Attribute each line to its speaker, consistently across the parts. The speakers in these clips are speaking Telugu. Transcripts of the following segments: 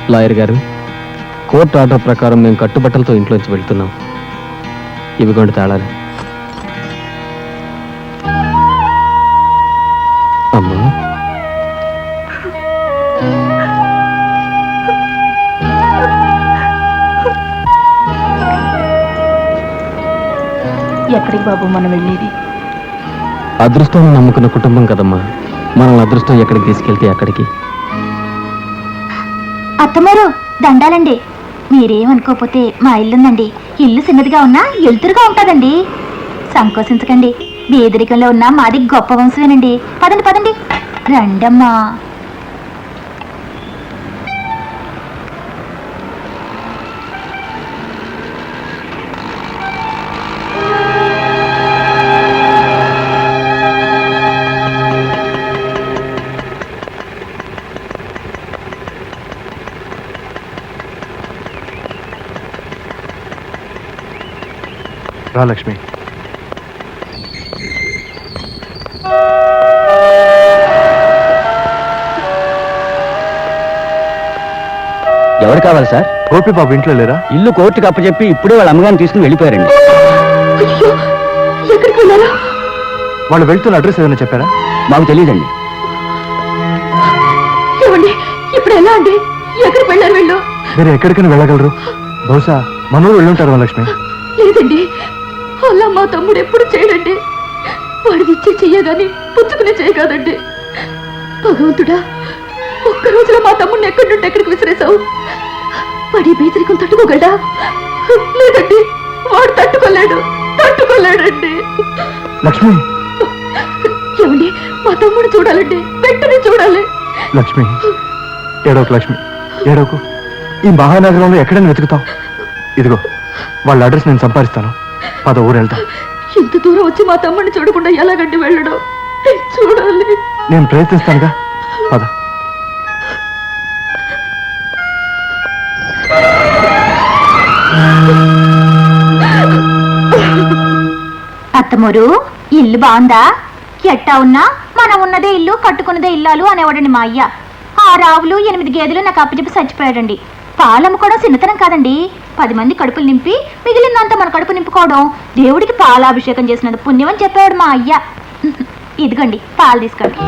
Speaker 1: లాయర్ గారు, కోర్టు ఆర్డర్ ప్రకారం మేము కట్టుబట్టలతో ఇంట్లోంచి వెళ్తున్నాం. ఇవిగోండి తాళాలు. అమ్మా,
Speaker 2: ఎక్కడికి బాబు మనం వెళ్ళేది?
Speaker 1: అదృష్టాన్ని నమ్ముకున్న కుటుంబం కదమ్మా. మనల్ని అదృష్టం ఎక్కడికి తీసుకెళ్తే అక్కడికి.
Speaker 2: అత్తమారు దండాలండి. మీరేమనుకోకపోతే మా ఇల్లుందండి. ఇల్లు చిన్నదిగా ఉన్నా ఎలుతురుగా ఉంటుందండి. సంకోచించకండి. బేదరికంలో ఉన్న మాది గొప్ప వంశమేనండి. పదండి పదండి, రండమ్మా.
Speaker 3: రా లక్ష్మి.
Speaker 1: ఎవరు కావాలి సార్?
Speaker 3: గోపి బాబు ఇంట్లో లేరా?
Speaker 1: ఇల్లు కోర్టుకు అప్పచెప్పి ఇప్పుడే వాళ్ళ అమ్మగారిని తీసుకుని వెళ్ళిపోయారండి.
Speaker 3: వాళ్ళు వెళ్తున్న అడ్రస్ ఏదైనా చెప్పారా?
Speaker 1: మాకు తెలియదండి.
Speaker 2: ఇప్పుడు ఎలా అండి? ఎక్కడికి వెళ్ళారు వీళ్ళు?
Speaker 3: మీరు ఎక్కడికైనా వెళ్ళగలరు. బహుశా మనూరు వెళ్ళుంటారు లక్ష్మి.
Speaker 2: లేదండి, అలా మా తమ్ముడు ఎప్పుడు చేయడండి. వాడిది ఇచ్చే చెయ్యగాని పుచ్చుకునే చేయగాదండి. భగవంతుడా, ఒక్క రోజులో మా తమ్ముడిని ఎక్కడి నుండి ఎక్కడికి విసిరేశావు. వాడి బేదరికం తట్టుకోగలడా? లేదండి, వాడు తట్టుకోలేడండి.
Speaker 3: లక్ష్మి,
Speaker 2: ఏమండి, మా తమ్ముడు చూడాలండి, వెంటనే చూడాలి.
Speaker 3: లక్ష్మి ఏడోకు, లక్ష్మి ఏడోకు. ఈ మహానగరంలో ఎక్కడైనా వెతుకుతాం. ఇదిగో వాళ్ళ అడ్రస్ నేను సంపాదిస్తాను. పద ఊరు వెళ్తాం.
Speaker 2: ఇంత దూరం వచ్చి మా తమ్ముడిని చూడకుండా ఎలాగండి వెళ్ళడం? చూడాలి.
Speaker 3: నేను ప్రయత్నిస్తానుగా. పద.
Speaker 2: అత్తమూరు, ఇల్లు బాగుందా? ఎట్టా ఉన్నా మనం ఉన్నదే ఇల్లు, కట్టుకున్నదే ఇల్లాలు అనేవాడండి మా అయ్య. 6 ఆవులు 8 గేదెలు నాకు అప్పచెప్పి చచ్చిపోయాడండి. పాలమ్మ కూడా చిన్నతనం కాదండి. 10 మంది కడుపులు నింపి మిగిలిందంతా మన కడుపు నింపుకోవడం దేవుడికి పాలాభిషేకం చేసినంత పుణ్యం అని చెప్పాడు మా అయ్య. ఇదిగోండి పాలు తీసుకోండి.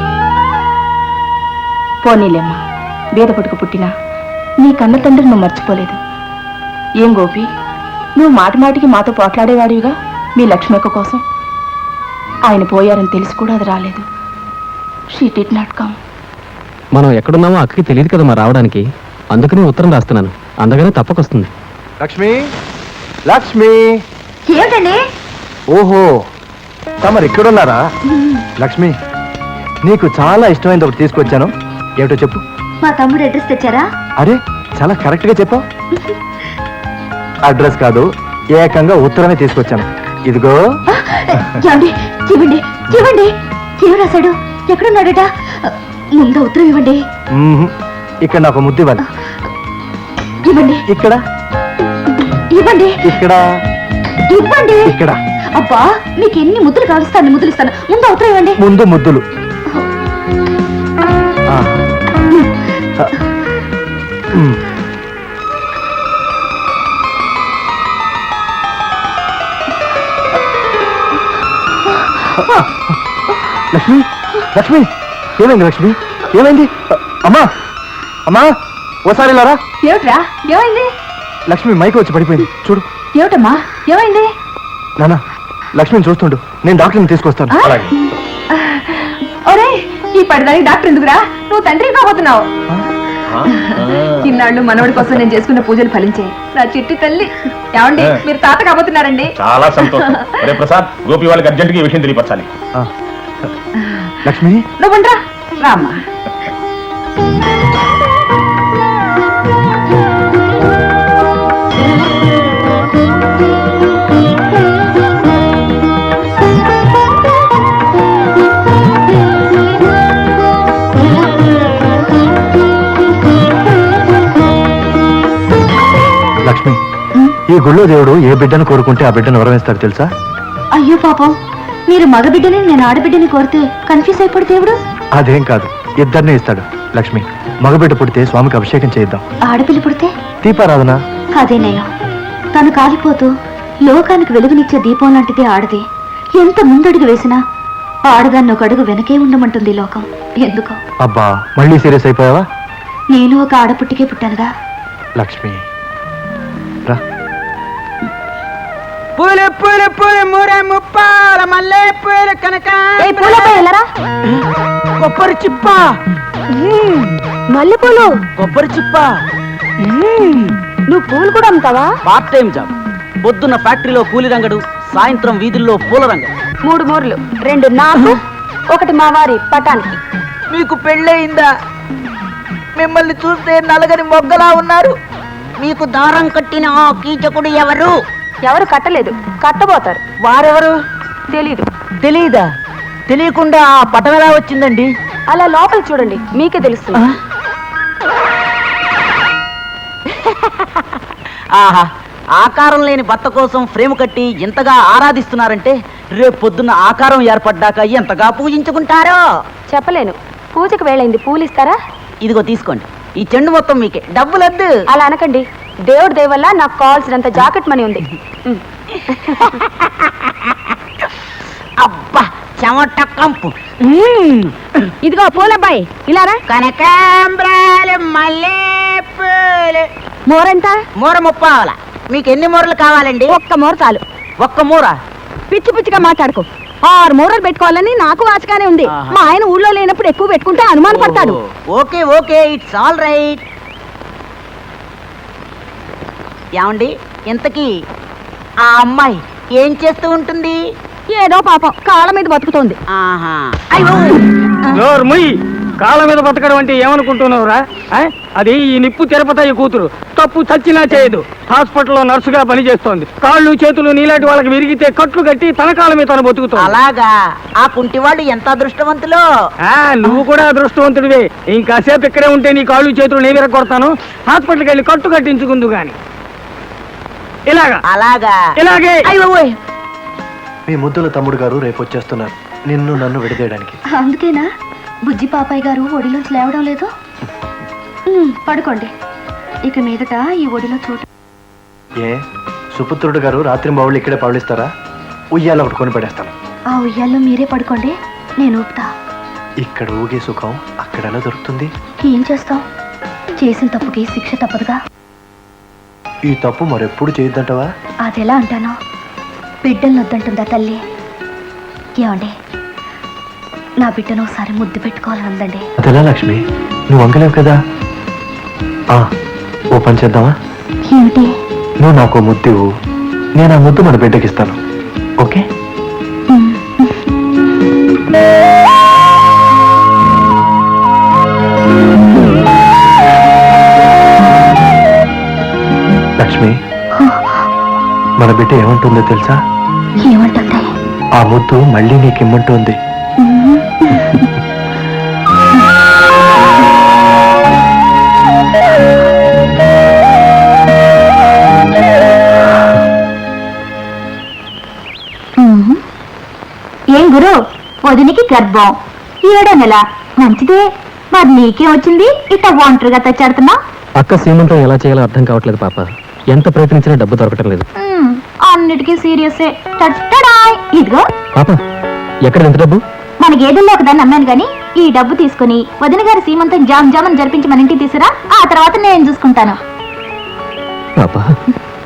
Speaker 2: పోనీలేమ్మా, బీద పట్టుకు పుట్టినా నీ కన్న తండ్రి నువ్వు మర్చిపోలేదు. ఏం గోపి, నువ్వు మాటి మాటికి మాతో పోట్లాడేవాడివిగా మీ లక్ష్మక్క కోసం. ఆయన పోయారని తెలిసి కూడా అది రాలేదు. She did not come.
Speaker 1: మనం ఎక్కడున్నామో అక్కడికి తెలియదు కదమ్మా రావడానికి. అందుకని ఉత్తరం రాస్తున్నాను. అందుకనే తప్పకొస్తుంది.
Speaker 3: లక్ష్మి, లక్ష్మి.
Speaker 2: ఏమిటండి?
Speaker 3: ఓహో, తమరు ఇక్కడున్నారా? లక్ష్మి, నీకు చాలా ఇష్టమైనది ఒకటి తీసుకొచ్చాను. ఏమిటో చెప్పు.
Speaker 2: మా తమ్ముడు అడ్రస్ తెచ్చారా?
Speaker 3: అరే, చాలా కరెక్ట్ గా చెప్పావు. అడ్రస్ కాదు, ఏకంగా ఉత్తరమే తీసుకొచ్చాను. ఇదిగో.
Speaker 2: ఇవ్వండి ఇవ్వండి ఇవ్వండి. ఏం రాశాడు? ఎక్కడున్నాడట? ముందు ఉత్తరం ఇవ్వండి.
Speaker 3: ఇక్కడ నాకు ముద్దు ఇవ్వాలి.
Speaker 2: ఇవ్వండి.
Speaker 3: ఇక్కడ
Speaker 2: ఇవ్వండి.
Speaker 3: ఇక్కడ
Speaker 2: ఇవ్వండి.
Speaker 3: ఇక్కడ.
Speaker 2: అబ్బా, మీకు ఎన్ని ముద్దులు కాలుస్తాను, ముద్దులు ఇస్తాను. ముందు ఉత్తరం ఇవ్వండి.
Speaker 3: ముందు ముద్దులు. లక్ష్మి, లక్ష్మి, ఏమైంది లక్ష్మి? ఏమైంది? అమ్మా, అమ్మా, ఓసారి లారా.
Speaker 2: ఏమిట్రా, ఏమైంది?
Speaker 3: లక్ష్మి మైకి వచ్చి పడిపోయింది, చూడు.
Speaker 2: ఏమిటమ్మా, ఏమైంది?
Speaker 3: నాన్న, లక్ష్మిని చూస్తుండు, నేను డాక్టర్ని తీసుకొస్తాను.
Speaker 2: ఒరే, ఈ పడిదానికి డాక్టర్ ఎందుకురా? నువ్వు తండ్రి కాబోతున్నావు. ఇన్నాళ్ళు మనవడి కోసం నేను చేసుకున్న పూజలు ఫలించాయి. నా చిట్టి తల్లి. ఏమండి, మీరు తాత కాబోతున్నారండి.
Speaker 4: చాలా సంతోషం. అరే ప్రసాద్, గోపి వాళ్ళకి అర్జెంట్ గా ఈ విషయం తెలియపరచాలి.
Speaker 3: లక్ష్మి,
Speaker 2: నువ్వుండ్రా. రామ్మా.
Speaker 3: లక్ష్మి, ఈ గుళ్ళో దేవుడు ఏ బిడ్డను కోరుకుంటే ఆ బిడ్డను వరవేస్తాడు తెలుసా?
Speaker 2: అయ్యో పాపం, మీరు మగబిడ్డని నేను ఆడబిడ్డని కోరితే కన్ఫ్యూజ్ అయిపోడు దేవుడు.
Speaker 3: అదేం కాదు, ఇద్దరినే ఇస్తాడు. లక్ష్మి, మగబిడ్డ పుడితే స్వామికి అభిషేకం చేద్దాం.
Speaker 2: ఆడపిల్ల పుడితే
Speaker 3: దీపారాధన.
Speaker 2: అదేనయ్య, తను కాలిపోతూ లోకానికి వెలుగునిచ్చే దీపం లాంటిది ఆడది. ఎంత ముందడుగు వేసినా ఆడదాన్ని ఒక అడుగు వెనకే ఉండమంటుంది లోకం. ఎందుకో.
Speaker 3: అబ్బా, మళ్ళీ సీరియస్ అయిపోయావా?
Speaker 2: నేను ఒక ఆడపుట్టికే పుట్టానుగా.
Speaker 3: లక్ష్మి రా.
Speaker 5: పూలు పూలు పూలు మూర ముప్పాల మల్లె పూలు కనుక కొబ్బరి చిప్ప
Speaker 2: మల్లెపూలు,
Speaker 5: కొబ్బరి చిప్ప.
Speaker 2: నువ్వు పూలు కూడా అమ్ముతావా?
Speaker 5: Part time job. పొద్దున్న ఫ్యాక్టరీలో కూలి రంగడు, సాయంత్రం వీధుల్లో పూల రంగడు.
Speaker 2: 3 మూరలు, 2 నాకు, 1 మా వారి పటానికి.
Speaker 5: మీకు పెళ్ళయిందా? మిమ్మల్ని చూస్తే నలగని మొగ్గలా ఉన్నారు. మీకు దారం కట్టిన ఆ కీచకుడు ఎవరు?
Speaker 2: ఎవరు కట్టలేదు, కట్టబోతారు.
Speaker 5: వారెవరు?
Speaker 2: తెలీదు.
Speaker 5: తెలీదా? తెలియకుండా ఆ పటం ఎలా వచ్చిందండి?
Speaker 2: అలా లోపల చూడండి, మీకే తెలుస్తుంది.
Speaker 5: ఆహా, ఆకారం లేని భర్త కోసం ఫ్రేమ్ కట్టి ఎంతగా ఆరాధిస్తున్నారంటే రేపు పొద్దున్న ఆకారం ఏర్పడ్డాక ఎంతగా పూజించుకుంటారో
Speaker 2: చెప్పలేను. పూజకు వేళైంది, పూలు ఇస్తారా?
Speaker 5: ఇదిగో తీసుకోండి, ఈ చెండు మొత్తం మీకే. డబ్బులద్దు.
Speaker 2: అలా అనకండి, దేవుడి దయ వల్ల నాకు కావాల్సినంత జాకెట్ మనీ ఉంది.
Speaker 5: అబ్బా, చెమట కంపు.
Speaker 2: ఇదిగో పూలబ్బాయి, ఇలారా.
Speaker 5: కనకాంబరాలు, మల్లెపూలు.
Speaker 2: మోరెంత?
Speaker 5: మూర 30. మీకు ఎన్ని మూరలు కావాలండి?
Speaker 2: 1 మూర చాలు.
Speaker 5: 1 మూర?
Speaker 2: పిచ్చి పిచ్చిగా మాట్లాడుకో. 6 మూరలు పెట్టుకోవాలని నాకు ఆశగానే ఉంది.
Speaker 5: ఆహా.
Speaker 2: మా ఆయన ఊళ్ళో లేనప్పుడు ఎక్కువ పెట్టుకుంటే అనుమాన పడతాడు.
Speaker 5: Okay okay, it's all right. ఏమండి, ఇంతకీ ఆ అమ్మాయి ఏం చేస్తూ ఉంటుంది?
Speaker 2: ఏదో పాపం కాళ్ళ మీద బతుకుతోంది.
Speaker 5: ఆహా.
Speaker 1: కాళ్ళ మీద బతకడం అంటే ఏమనుకుంటున్నావురా? అది ఈ నిప్పు తిరుపతయ్య కూతురు. తప్పు చచ్చినా చేయదు. హాస్పిటల్లో నర్సుగా పనిచేస్తోంది. కాళ్ళు చేతులు నీలాంటి వాళ్ళకి విరిగితే కట్లు కట్టి తన కాళ్ళ మీద తను బతుకుతావు.
Speaker 5: అలాగా? ఆ కుంటివాళ్ళు ఎంత అదృష్టవంతులో.
Speaker 1: నువ్వు కూడా అదృష్టవంతుడివే. ఇంకాసేపు ఇక్కడే ఉంటే నీ కాళ్ళు చేతులు నేను విరగొడతాను. హాస్పిటల్కి వెళ్ళి కట్టు కట్టించుకుందు గాని. ఇలాగా
Speaker 5: అలాగా?
Speaker 1: ఇలాగే.
Speaker 3: మీ ముద్దుల తమ్ముడు గారు రేపు వచ్చేస్తున్నారు, నిన్ను నన్ను విడదీయడానికి.
Speaker 2: అందుకేనా బుజ్జి పాపాయ్ గారు ఒడిలోంచి లేవడం లేదు? పడుకోండి. ఇక మీదట ఈ ఒడిలో చోటు.
Speaker 3: ఏ సుపుత్రుడు గారు రాత్రి బావులు ఇక్కడే పవళిస్తారా? ఉయ్యాల ఒకటి కొని పడేస్తాను.
Speaker 2: ఆ ఉయ్యాల్లో మీరే పడుకోండి, నేను ఊపుతా.
Speaker 3: ఇక్కడ ఊగే సుఖం అక్కడ ఎలా దొరుకుతుంది?
Speaker 2: ఏం చేస్తాం, చేసిన తప్పుకి శిక్ష తప్పదుగా.
Speaker 3: ఈ తప్పు మరెప్పుడు చేయొద్దంటావా?
Speaker 2: అదెలా అంటాను? బిడ్డలను వద్దంటుందా తల్లి? ఏమండి, నా బిడ్డను ఒకసారి ముద్దు పెట్టుకోవాలని ఉందండి.
Speaker 3: అదెలా లక్ష్మి, నువ్వు వంకలేవు కదా. ఓ పని చేద్దామా?
Speaker 2: ఏమిటి?
Speaker 3: నువ్వు నాకు ముద్దు, నేను ఆ ముద్దు మన బిడ్డకిస్తాను. ఓకే? లక్ష్మి, మన బిడ్డ ఏమంటుందో తెలుసా?
Speaker 2: ఏమంటుంది?
Speaker 3: ఆ ముద్దు మళ్ళీ నీకిమ్మంటుంది.
Speaker 2: ఏం గురు, వదినికి గర్భం 7వ నెల. మంచిదే. మరి నీకేం వచ్చింది? ఇట్ట ఒంటరిగా తెచ్చాడుతున్నా.
Speaker 1: అక్క సీమంతం ఎలా చేయాలో అర్థం కావట్లేదు పాప. ఎంత ప్రయత్నించినా డబ్బు దొరకటం లేదు.
Speaker 2: అన్నిటికీ సీరియసే. ఇదిగో
Speaker 1: పాప, ఎక్కడ ఎంత డబ్బు?
Speaker 2: మన గేదెల్లో ఒకదాన్ని అమ్మాను గాని ఈ డబ్బు తీసుకుని వదిన గారి సీమంతం జామ్ జామని జరిపించి మన ఇంటికి తీసుకురా. ఆ తర్వాత నేను చూసుకుంటాను.
Speaker 1: పాప,